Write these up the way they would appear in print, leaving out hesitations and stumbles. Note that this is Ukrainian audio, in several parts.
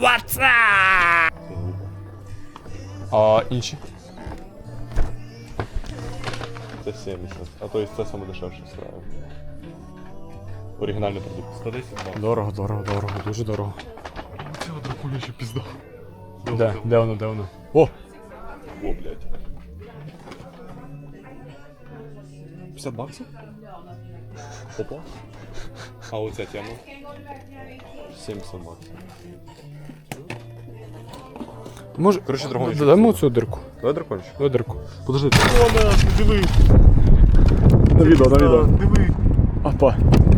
А інші? Це 70. А то есть це саме дешевше справа. Оригінальний продукт. 110 баксів. Дорого, дуже дорого. Цього дракуля ще пізда. Де воно? О! О, блядь. 50 баксів? Опа. А оця тема? 70 баксів. Може, Короче, дракончик. Даємо цю дирку. Давай дракончик. Давай дирку. Подожди. О, нахуй, диви. На відео. Диви. Апа.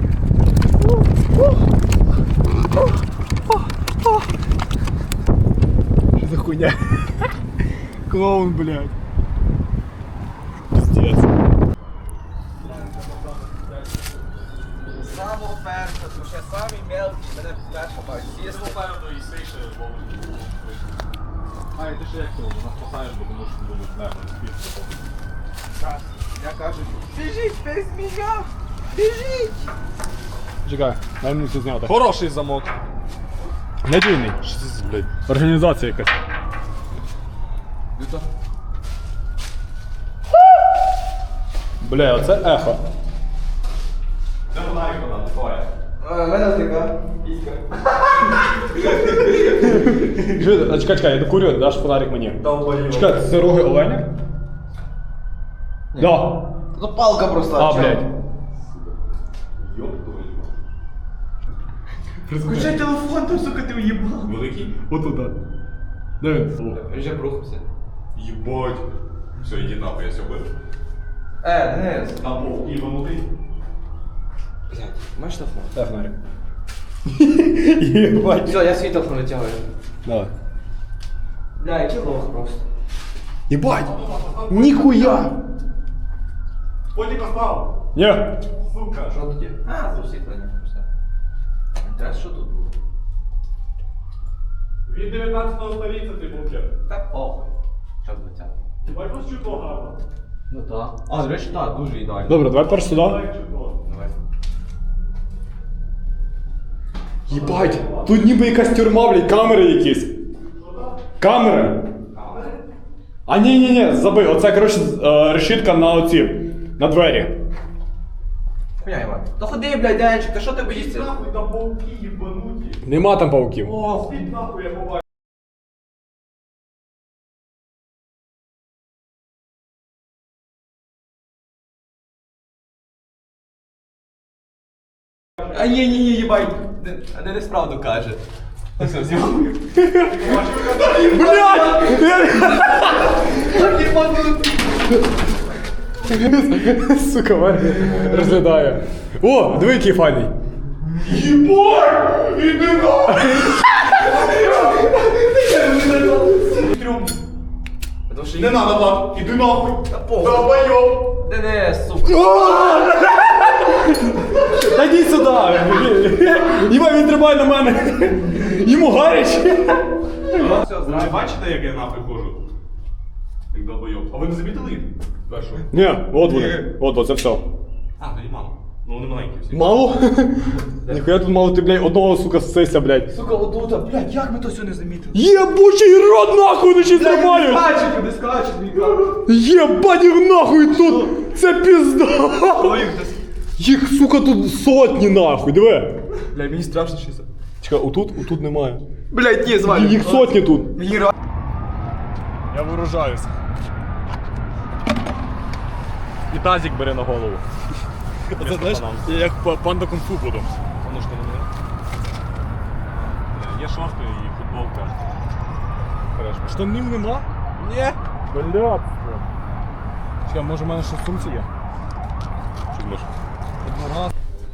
Що за хуйня? Клоун, блядь. Пиздец. Самого першого, тому що я самий мелкий, мене перша бачить. Є Попереду і сейше А, і ти ще як цього, нас спасаєш, бо тому що думаєш, не спішно. Я кажу, біжіть без мене! Біжіть! Чекай, дай мені це зняти. Хороший замок. Надійний. Що це, блядь? Організація якась. Люта. Бля, оце ехо. Де вона як вона? Твоя. У мене така піська. Чекай, я докурю, даш фонарик мені. Долбоёб. Чекай, це роги оленя? Да. Ну палка просто. А, чел. блядь. Ёб твою. Включай телефон, там, сука, ти уїбав. Великий? Отуда. Де він? Він вже прухався. Єбать. Все, іди нахуй, я все бив. Денис. На пол. Іванутий. Блядь, маєш телефон? Дай фонарик. Єбать. Все, я свій телефон витягую. Давай. Бля, який лох просто. Єбать! Ніхуя! Потік остав. Ні. Сука. Що тоді? А, за освітлення. Все. Інтерес, що тут було? Від 19 століття ти був. Та похуй. Що з 20? Єбать, ось чудо гарно. Ну так. А, до речі, так, дуже ідеально. Добре, давай перш сюди. Давай. Єбать! Тут ніби якась тюрма, блядь, камери якісь. Камери? А ні, забий. Оце, коротше, решітка на оці. На двері. Хуйня, Іван. Та ходи, блядь, Денчик, та що ти боїшся? Нахуй там пауки єбануті. Нема там пауків. О, спіть нахуй, я побачив. А ні, їбай. Денис правду каже. Все, зйомую. Блядь! Сука, Ваня розглядає. О, диви, який файний. Єбать! Іди нахуй! Не надо, Влад, іди нахуй! Долбоёб! Денис, сука. Та йди сюди! Єбай, він тримає на мене. Йому гаряче. Все, Ви знаю. бачите, як я нахуй ходжу? Як долбоёб. А ви не замітили їх? Першу. Ні, от вони. От, це все. А, ну і мало. Ну вони маленькі всі. Мало? Ніхуя тут мало ти, блядь, одного, сука, сися, блядь. Сука, отута, блядь, як ми то все не замітили? Єбучий рот нахуй, наче тримають! Не скачуть, мій Єбать їх нахуй тут! Це пізда! Їх, сука, тут сотні нахуй, диви! Бля, мені страшно щось. Чекай, отут немає. Блядь, ні, звалю. Їх сотні тут. Мені Я виражаюсь. І тазик бери на голову. Це, знаєш, я як панда кунг-фу буду. Воно ж не мене. Є шорти і футболка. Штанів нема? Ні. Блядь. Чекай, може в мене ще в сумці є? Що може? Однораз.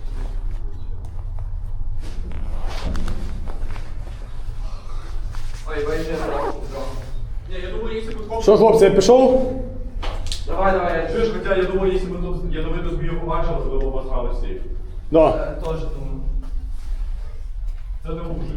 Ой, байже. Ні, я думаю, якщо б Що, хлопці, я пішов? Давай, я Чуєш, хоча я думаю, якщо б тут ядовиту змію побачили, то ви б обосрали всі. Да. теж думаю. Це не мужик.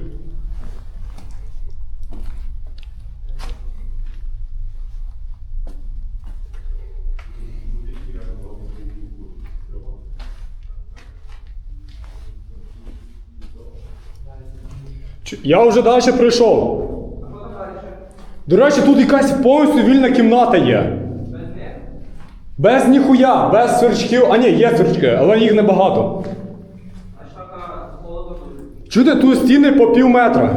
Я вже далі прийшов. До речі, тут якась повністю вільна кімната є. Без ніхуя, без сверчків. А ні, є сверчки, але їх небагато. Чуєте, тут стіни по пів метра.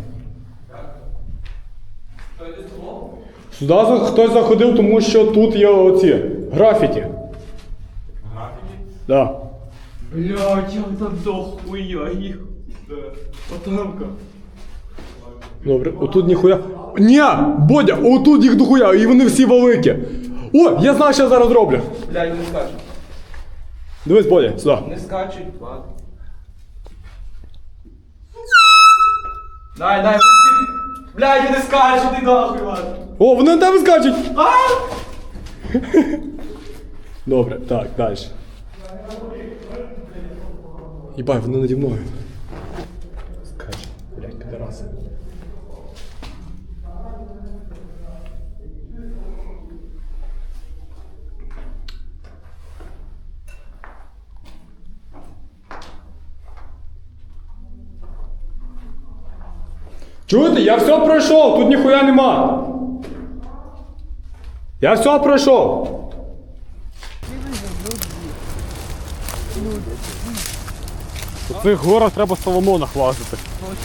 Сюди хтось заходив, тому що тут є оці графіті. Графіки? Да. Блядь, як там дохуя їх. Потамка. Добре, отут ніхуя. Ні, Бодя, отут їх дохуя, і вони всі великі. О, я знаю, що я зараз роблю. Блядь, вони скачуть. Дивись, Бодя, сюди. Вони скачуть, ладно. Дай, дай, блядь, вони скачуть, ти нахуй, ладно. О, вони на тебе скачуть! Добре, так, далі. Єбай, вони наді мною. Скачуть, блядь, підараси. Чуєте, я все пройшов, тут ніхуя нема. Я все пройшов. У цих горах треба Соломонах лазити.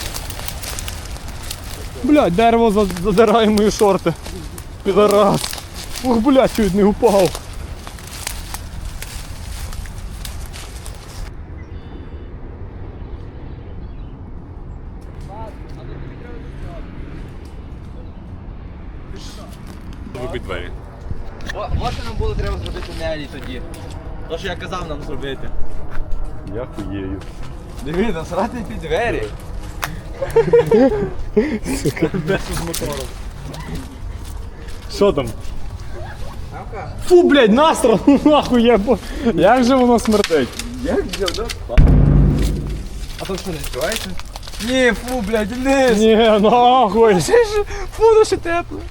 Блядь, дерево задирає мої шорти. Підарас. Ух, блядь, чуть не упав. Вибить двері. От що нам було треба зробити Нелі тоді. То, що я казав нам зробити. Я хуєю. Диви, насрати під двері. Що там? Мамка. Фу, блядь, насрано, нахуй, як же воно смердить? Як взяв, да? А то що, не відчувається? Ні, фу, блядь, вниз. Ні, нахуй. Фу, ну ще тепло.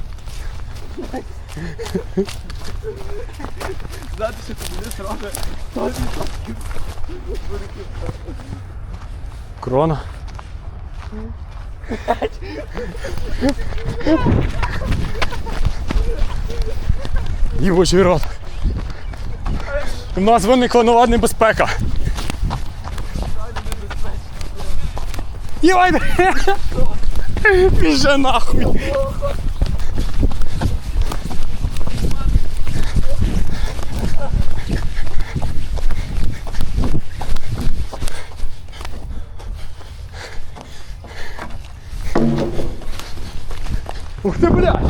Знати, що тобі не сразу. Крона. Їбучий рот. У нас виникла нова небезпека. Єбай! Біже нахуй! Ух ты, блядь!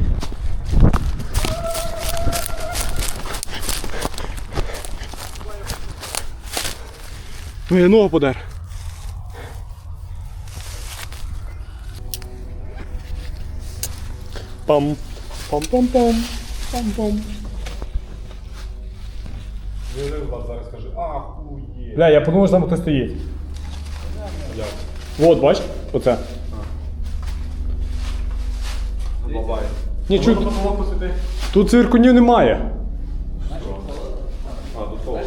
Ну я ногу подер. Пам, пам-пам-пам, пам-пам. Зараз скажи, ахує. Бля, я подумав, що там хтось стоїть. Вот, бач, оце. Бабай. Ні, чуть, Потолок посвіти. тут цвіркунів немає. А, до того.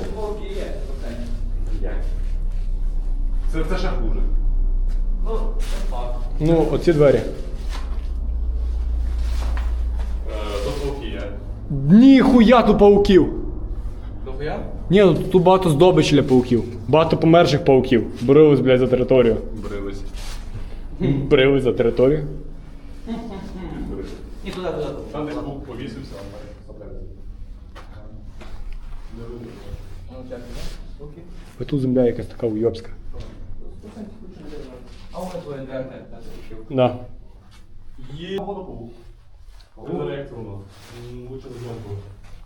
Це ще хуже. Ну, оці двері. До полки є. Ніхуя тут пауків. Дохуя? Ні, ну тут багато здобичі для пауків. Багато померших пауків. Боролись, блядь, за територію. Брились. Боролись за територію. Ні, туди, туди. Там десь був повісився, а Ну, чекай, да? Окей. А тут земля якась така уйобська. А у мене твоя дверка, я закрив. Да. Є водопол. Він за реакцію воно. Лучше не знову.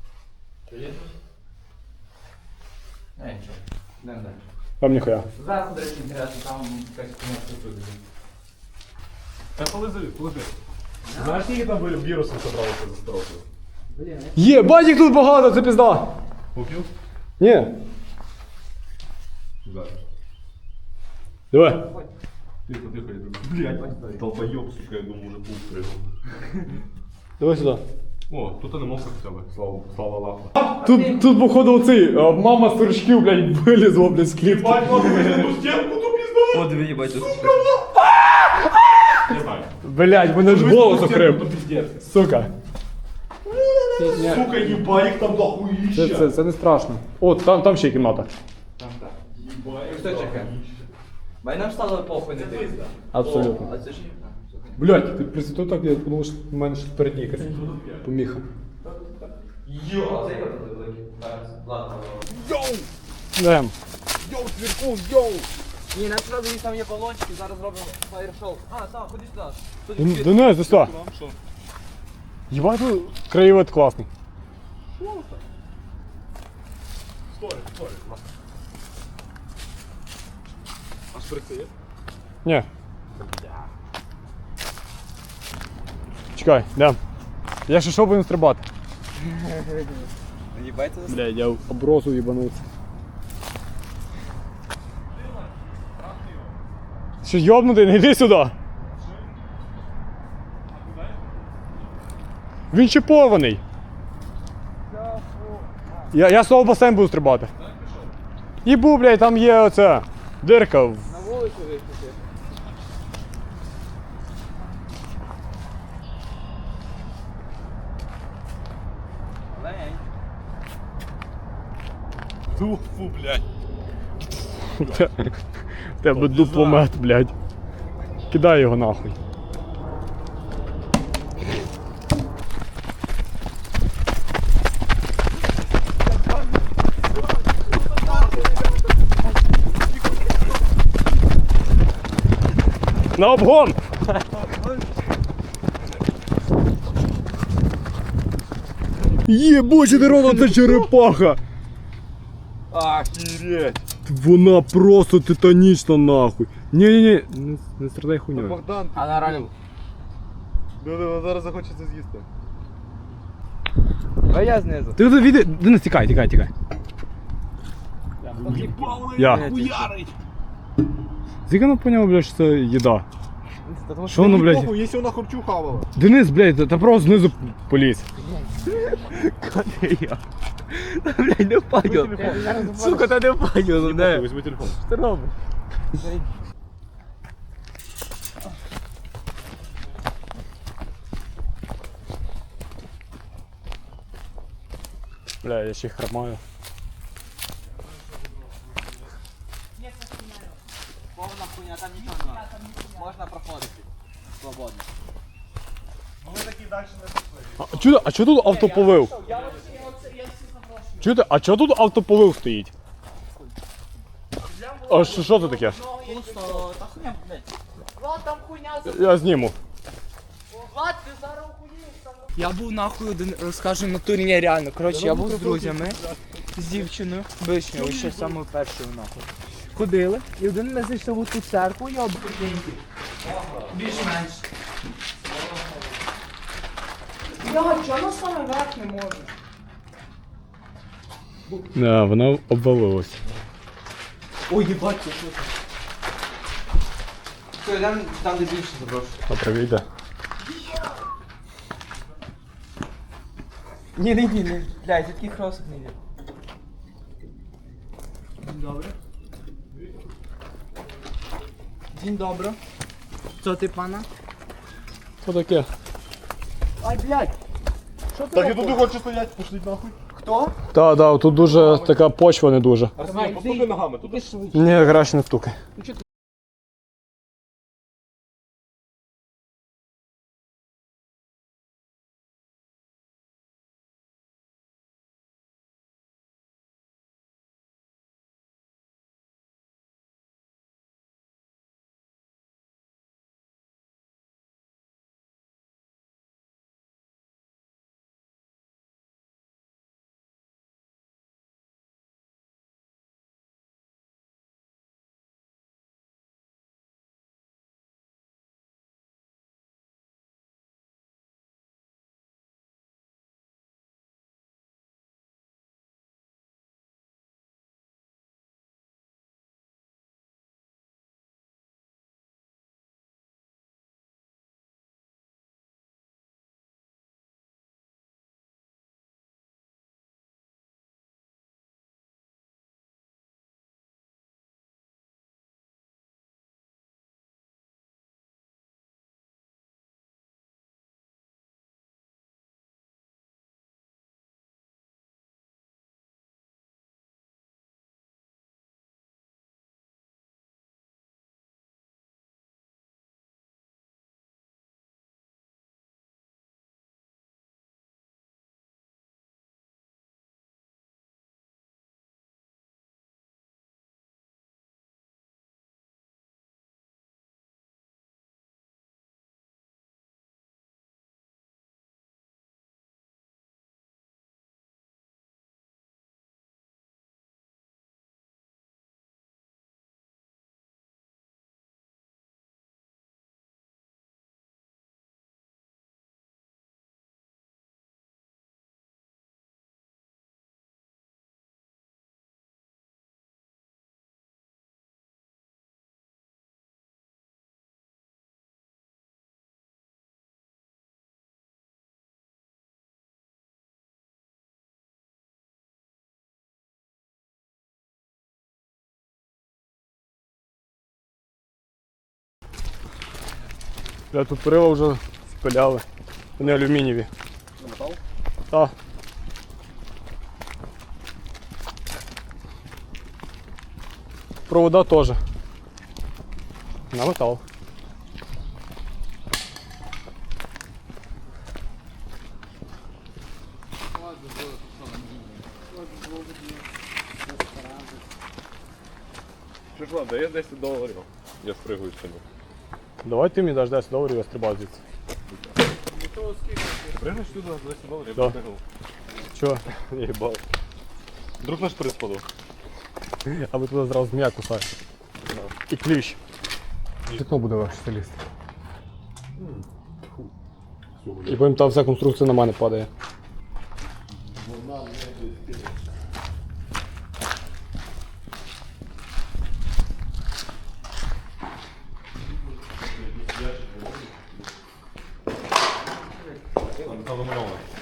Не, нічого. Не, не. Вам ніхуя. Зараз, до речі, інтересно, там якась кімната тут. Та полежи. Знаєш, скільки там вірусів зібралося за строкою? Є, бать їх тут багато, це пізда. Попів? Ні. Зараз. Давай. Тихо, я думаю, блядь, долбойоб, сука, я думаю, уже пух пригнув. Давай сюди. О, тут не мовка хоча б, слава Аллаху. Тут походу оцей, мама з стручків, блядь, вилізла, блядь, з клітки. Ну стенку ту пізду! О, диви, їбать, тут. Блядь, мене ж голос окрив. Сука. Сука, їба, їх там дохуїща. Це не страшно. О, там ще є кімната. Хто чекає? Бай нам стало похуй не дивитися. Абсолютно. А це ж Блядь, ти присвятив так, я подумав, що в мене щось перед якась поміха. Йо! Це його великий. Ладно. Дем. Йоу, цвіркун, йоу! Ні, нам треба дивіться, там є балончики, зараз робимо фаєр-шоу. А, так, ходи сюди. Денис, ти що? Єбать, тут краєвид класний. Сторі. А шприци є? Ні. Чекай, дем. Я ще що будемо стрибати? Їбайте за Блядь, я в оброзу їбанувся. Що йобнутий, не йди сюди. Він чіпований. Я з того басейн буду стрибати. Їбу, блядь, там є оця дирка. на вулицю вийти. Лень. Фу, блядь. В тебе дупломет, блядь. Кидай його нахуй. На обгон! Єбучий дорога, це черепаха! Охереть. Вона просто титанічна нахуй. Ні, не страдай хуйню. Богдан, А на реально. вона зараз захочеться з'їсти. А я знизу. Ти віди, Денис, тікай. Я. Звідки вона поняла, блядь, що це їда? Що воно, блядь? Якщо вона харчу хавала. Денис, блядь, та просто знизу поліз. Блядь, не впадю. Сука, та не впадю, не. Візьми телефон. Що ти робиш? Бля, я ще й хромаю. Повна хуйня, там нічого немає. Можна проходити. Свободно. А чого тут автополив? Чуєте, а чого тут автополив стоїть? А що це таке? Пусто, та хуйня, блядь. Влад, там хуйня за... Я зніму. Влад, ти зараз охуєш там. Я був нахуй один, розкажу на турі, ні, реально. Коротше, я був з друзями, з дівчиною, вишнею, ще самою першою нахуй. Ходили, і один ми зайшли в ту церкву, я обруденький. Більш-менш. Я, чого на саме верх не можу? Не, вона обвалилась. Ой, їбать, це що це? Все, там де більше заброшу. А привіде. Ні, блядь, це такий хросик не йде. Dzień dobry. Dzień dobry. Co ty pana? Що таке? Ай, блядь! Що ти Так і робиш? тут хочеш стоять, пошліть нахуй. Хто? Так, тут дуже така почва не дуже. Арсеній, постукай ногами тут. Іди швидше. Ні, краще не стукай. Бля, тут перила вже спиляли. Вони алюмінієві. Метал? Так. Провода теж. На метал. Що ж, ладно, я 10 доларів. Я спригую з тебе. Давай ти мені даш 10 доларів, я стрибаю звідси. Пригнеш сюди за 10 доларів, Да. я спригнув. Чого? Я їбав. Вдруг наш приз падав. Аби туди зразу змія кусає. І кліщ. Вікно буде легше залізти. І потім та вся конструкція на мене падає. Там замальовано.